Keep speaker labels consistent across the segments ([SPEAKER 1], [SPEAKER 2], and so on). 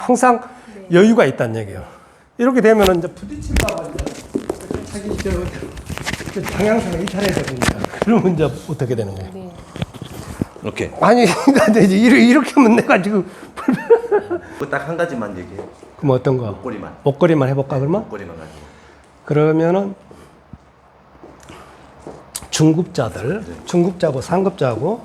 [SPEAKER 1] 항상
[SPEAKER 2] 네.
[SPEAKER 1] 여유가 있다는 얘기예요. 이렇게 되면 이제 부딪힐까 봐 자기 저 방향성을 이탈해야 되거든요. 그러면 이제 어떻게 되는 거예요?
[SPEAKER 2] 네.
[SPEAKER 3] 이렇게.
[SPEAKER 1] 아니, 그러니까 이제 이렇게 하면 내가 지금
[SPEAKER 3] 딱 한 가지만 얘기해.
[SPEAKER 1] 그럼 어떤 거?
[SPEAKER 3] 목걸이만.
[SPEAKER 1] 목걸이만 해볼까 그러면?
[SPEAKER 3] 목걸이만 가지고.
[SPEAKER 1] 그러면은 중급자들, 중급자고 상급자고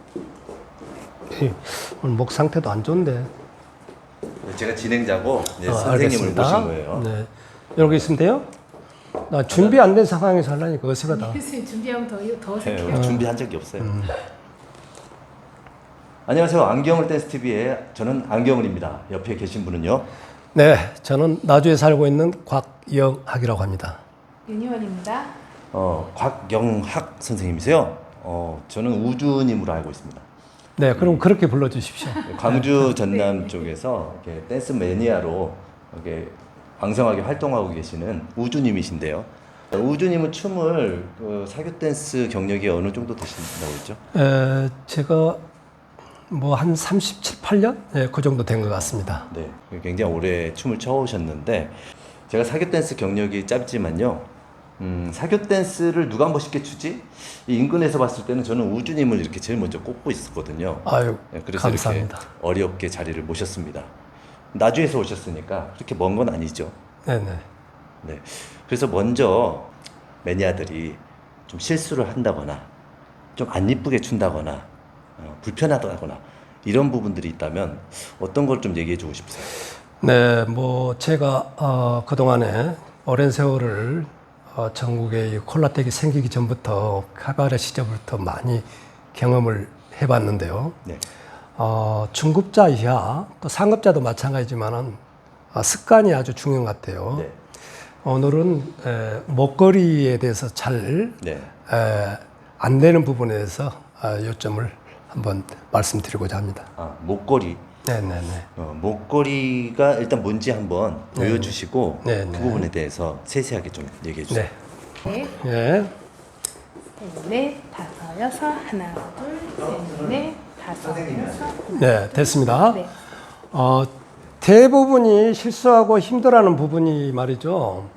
[SPEAKER 1] 오늘 목 상태도 안 좋은데.
[SPEAKER 3] 제가 진행자고 이제 선생님을
[SPEAKER 1] 알겠습니다.
[SPEAKER 3] 모신 거예요.
[SPEAKER 1] 네, 이렇게 있으면 돼요? 나 준비 안 된 상황에서 하려니까 어색하다.
[SPEAKER 2] 교수님 준비하면 더
[SPEAKER 3] 네,
[SPEAKER 2] 어색해요.
[SPEAKER 3] 오늘 준비한 적이 없어요. 안녕하세요. 안경을 댄스 TV의 저는 안경을입니다. 옆에 계신 분은요.
[SPEAKER 1] 네, 저는 나주에 살고 있는 곽영학이라고 합니다.
[SPEAKER 2] 윤희원입니다.
[SPEAKER 3] 곽영학 선생님이세요. 저는 우주님으로 알고 있습니다.
[SPEAKER 1] 네, 그럼 그렇게 불러주십시오.
[SPEAKER 3] 광주 전남 쪽에서 이렇게 댄스 매니아로 이렇게 왕성하게 활동하고 계시는 우주님이신데요. 우주님은 춤을 사교 댄스 경력이 어느 정도 되신다고 했죠?
[SPEAKER 1] 제가 뭐 한 37, 8년? 네, 그 정도 된 것 같습니다.
[SPEAKER 3] 네, 굉장히 오래 춤을 춰오셨는데 제가 사교 댄스 경력이 짧지만요. 사교 댄스를 누가 한번 쉽게 추지? 이 인근에서 봤을 때는 저는 우주님을 이렇게 제일 먼저 꼽고 있었거든요.
[SPEAKER 1] 아유,
[SPEAKER 3] 네, 그래서
[SPEAKER 1] 감사합니다.
[SPEAKER 3] 이렇게 어렵게 자리를 모셨습니다. 나주에서 오셨으니까 그렇게 먼 건 아니죠.
[SPEAKER 1] 네네.
[SPEAKER 3] 네. 그래서 먼저 매니아들이 좀 실수를 한다거나 좀 안 이쁘게 춘다거나 불편하다거나 이런 부분들이 있다면 어떤 걸 좀 얘기해 주고 싶으세요?
[SPEAKER 1] 네, 뭐 제가 그동안에 오랜 세월을 전국에 이 콜라텍이 생기기 전부터 카바레 시절부터 많이 경험을 해봤는데요.
[SPEAKER 3] 네.
[SPEAKER 1] 중급자 이하 또 상급자도 마찬가지지만은 습관이 아주 중요한 것 같아요.
[SPEAKER 3] 네.
[SPEAKER 1] 오늘은 목걸이에 대해서 잘
[SPEAKER 3] 네.
[SPEAKER 1] 안 되는 부분에 대해서 요점을 한번 말씀드리고자 합니다.
[SPEAKER 3] 목걸이.
[SPEAKER 1] 네네네.
[SPEAKER 3] 목걸이가 일단 뭔지 한번 보여주시고
[SPEAKER 1] 네,
[SPEAKER 3] 그
[SPEAKER 1] 네.
[SPEAKER 3] 부분에 대해서 세세하게 좀 얘기해 주세요.
[SPEAKER 1] 네.
[SPEAKER 2] 네.
[SPEAKER 1] 예.
[SPEAKER 2] 셋, 넷, 다섯, 여섯. 하나, 둘, 셋, 넷, 다섯, 여섯.
[SPEAKER 1] 네, 됐습니다.
[SPEAKER 2] 네.
[SPEAKER 1] 대부분이 실수하고 힘들어하는 부분이 말이죠.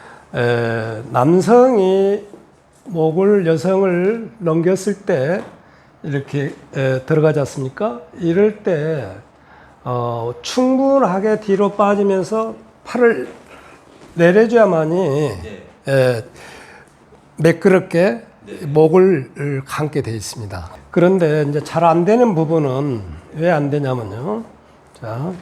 [SPEAKER 1] 남성이 목을 여성을 넘겼을 때 이렇게 들어가지 않습니까? 이럴 때 충분하게 뒤로 빠지면서 팔을 내려줘야만이 매끄럽게 목을 감게 되어 있습니다. 그런데 이제 잘 안 되는 부분은 왜 안 되냐면요. 자,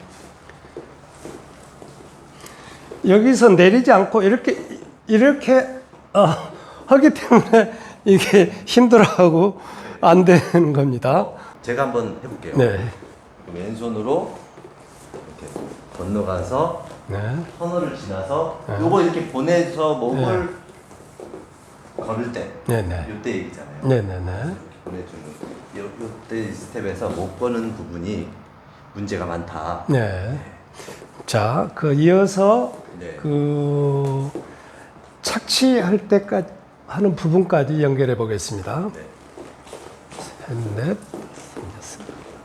[SPEAKER 1] 여기서 내리지 않고 이렇게 하기 때문에 이게 힘들어하고 안 되는 겁니다.
[SPEAKER 3] 제가 한번 해볼게요.
[SPEAKER 1] 네.
[SPEAKER 3] 왼손으로 이렇게 건너가서
[SPEAKER 1] 네.
[SPEAKER 3] 터널을 지나서 요거 이렇게 보내서 목을 걸을 때
[SPEAKER 1] 네네.
[SPEAKER 3] 요때 얘기잖아요.
[SPEAKER 1] 네네네.
[SPEAKER 3] 보내주는 요때 스텝에서 못 거는 부분이 문제가 많다.
[SPEAKER 1] 네. 자, 이어서
[SPEAKER 3] 네.
[SPEAKER 1] 착취할 때까지 하는 부분까지 연결해 보겠습니다.
[SPEAKER 3] 네.
[SPEAKER 1] 셋, 넷, 다섯,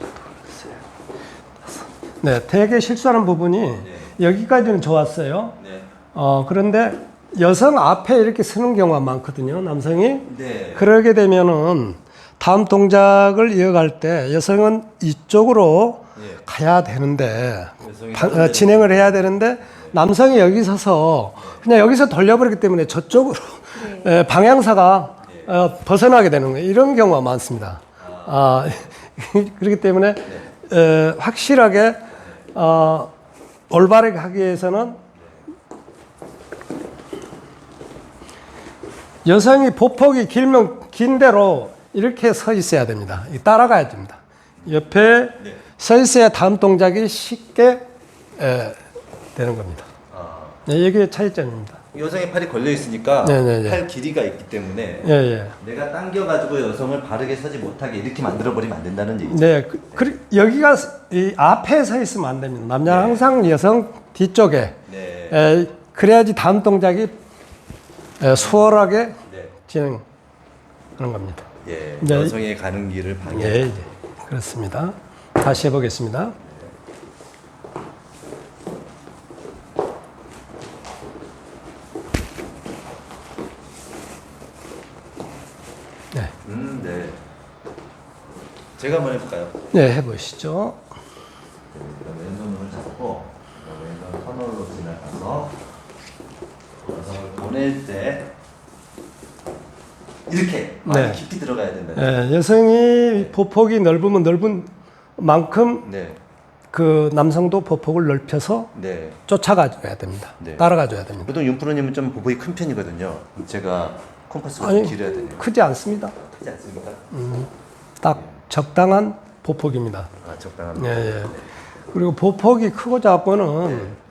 [SPEAKER 1] 다섯. 네, 되게 실수하는 부분이 여기까지는 좋았어요.
[SPEAKER 3] 네.
[SPEAKER 1] 그런데 여성 앞에 이렇게 서는 경우가 많거든요, 남성이.
[SPEAKER 3] 네.
[SPEAKER 1] 그러게 되면은 다음 동작을 이어갈 때 여성은 이쪽으로 가야 되는데, 진행을 해야 되는데, 남성이 여기 서서 그냥 여기서 돌려버리기 때문에 저쪽으로 방향사가 벗어나게 되는 거예요. 이런 경우가 많습니다. 그렇기 때문에 확실하게 올바르게 하기 위해서는 여성이 보폭이 길면 긴 대로 이렇게 서 있어야 됩니다. 따라가야 됩니다. 옆에 서 있어야 다음 동작이 쉽게 되는 겁니다. 네, 이게 차이점입니다.
[SPEAKER 3] 여성의 팔이 걸려 있으니까
[SPEAKER 1] 네네네.
[SPEAKER 3] 팔 길이가 있기 때문에
[SPEAKER 1] 예.
[SPEAKER 3] 내가 당겨가지고 여성을 바르게 서지 못하게 이렇게 만들어버리면 안 된다는 얘기죠.
[SPEAKER 1] 네, 여기가 이 앞에 서 있으면 안 됩니다. 남자는 항상 여성 뒤쪽에.
[SPEAKER 3] 네.
[SPEAKER 1] 그래야지 다음 동작이 수월하게
[SPEAKER 3] 네.
[SPEAKER 1] 진행하는 겁니다.
[SPEAKER 3] 예.
[SPEAKER 1] 네.
[SPEAKER 3] 여성의 가는 길을 방해.
[SPEAKER 1] 예, 그렇습니다. 다시 해보겠습니다.
[SPEAKER 3] 제가 한번 해볼까요?
[SPEAKER 1] 네, 해보시죠.
[SPEAKER 3] 왼손을 잡고 왼손 터널로 지나가서 여성을 보낼 때 이렇게 많이
[SPEAKER 1] 네.
[SPEAKER 3] 깊이 들어가야 된다.
[SPEAKER 1] 여성이 보폭이 넓으면 넓은 만큼
[SPEAKER 3] 네,
[SPEAKER 1] 그 남성도 보폭을 넓혀서
[SPEAKER 3] 네.
[SPEAKER 1] 쫓아가줘야 됩니다.
[SPEAKER 3] 네.
[SPEAKER 1] 따라가줘야 됩니다.
[SPEAKER 3] 보통 윤프로님은 좀 보폭이 큰 편이거든요. 제가 콤파스가 좀
[SPEAKER 1] 아니,
[SPEAKER 3] 길어야 되네요.
[SPEAKER 1] 크지 않습니다.
[SPEAKER 3] 크지 않습니까?
[SPEAKER 1] 딱 적당한 보폭입니다.
[SPEAKER 3] 아 적당합니다.
[SPEAKER 1] 예, 예. 그리고 보폭이 크고 작고는